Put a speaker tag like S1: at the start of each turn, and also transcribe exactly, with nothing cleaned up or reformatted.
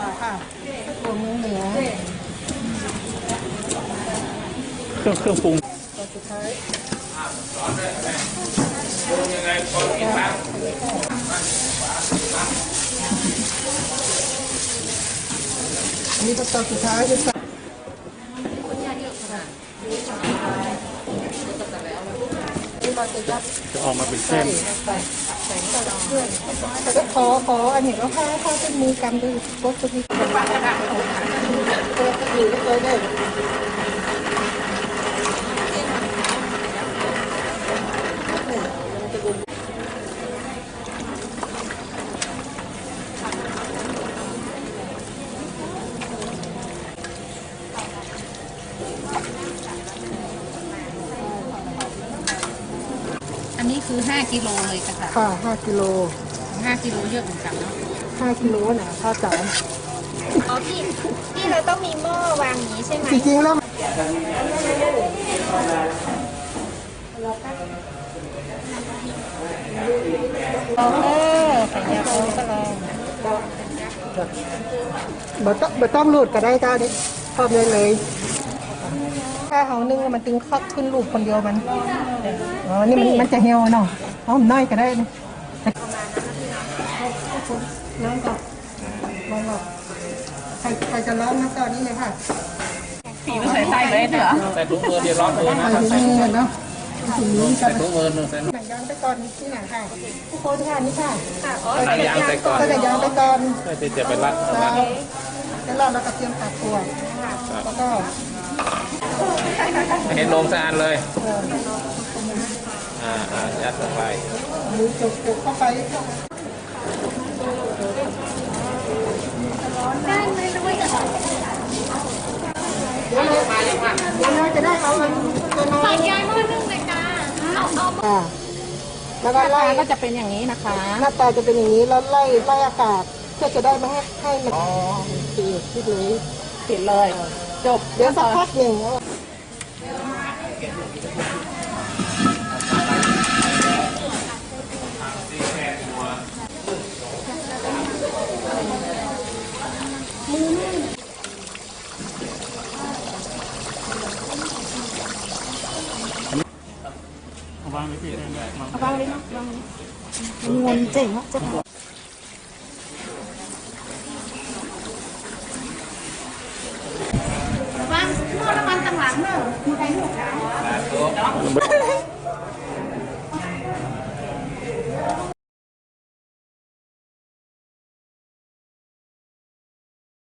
S1: ค่ะตัวเมืองเหนือ
S2: เครื่องเครื่องปรุง
S1: ตัวสุดท้ายอันนี้ก็ตัวสุดท้ายจะใส่
S2: จะออกมาเป็นเส้น
S1: แต่ขอขออันนี้ก็ถ้าถ้าเป็นมือกำดูก็จะมีกันอยู่ก็เลยได้
S3: อันนี้คือห้ากิโลเลยค่ะ
S1: ค่ะห้ากิโล
S3: ห้ากิโลเยอะเหมือนกันเนาะ
S1: ห้ากิโลนะข้าวจ๋า
S4: อ๋อพี่พี่เราต้องมีหม้อวางนี้ใช่ไหม
S1: จริงๆแล้ว
S3: เออขยะโอ้ก็ลอง
S1: บ่ต้องบ่ต้องหลุดก็ได้ก้าดิพร้อมเลยเลยถ้าเขานึ่งมันตึงคักขึ้นรูปคนเดียวมันอ๋อนี่มันมันจะเหี่ยวเนาะเอาน้อยก็ได้นี่ร้องก่อนร้องก่อนใครใครจะร้องนะตอนนี้เลยค่ะ
S3: ผีมันใส่ไส้เลยเหรอ
S2: ใส่ถุงมือเดี๋ยวร้อนมือนะ
S1: ใส่ถุงมือเนาะถุงมือ
S2: ใส่ถุงมือหนึ่งใส่
S1: หนังยางไปก่อนที่ไหนค่ะทุกคนค่ะนี่ค่ะ
S4: ค่ะอ๋อ
S2: หนังยางใส่ก่อน
S1: ก็จะยางไปก่อน
S2: ไม่ติดจะไปรัด
S1: แล้วแล้วเราก็เตรียมตัดตัวแล้วก็
S2: เห็นลงสะอาดเลยอ่าอ่ายัดลงไป
S1: มือจุกจุกเข้าไป
S4: ได้ไหมรู้ว่าจะ
S1: เดี๋ยวเลยเดี๋ยวเลยจะได้เอาเงิน
S4: ฝากยายหม้อนึ่งเลยจ้าเอาเอา
S1: อ่าแล้วก็ไล่
S3: ก็จะเป็นอย่างนี้นะคะ
S1: หน้าตาจะเป็นอย่างนี้แล้วไล่ไล่อากาศเพื่อจะได้ไม่ให้ให้มันปิดปิดเลย
S3: ปิดเลยจบ
S1: เดี๋ยวสักพักหนึ่ง
S2: วางไว้ที่ได้ไหม
S1: วางเลยนะวางเงินเจ๋งอ่ะจะวาง
S4: หม้อน้ำมันต่างหลังเนอะมีใครหกนะ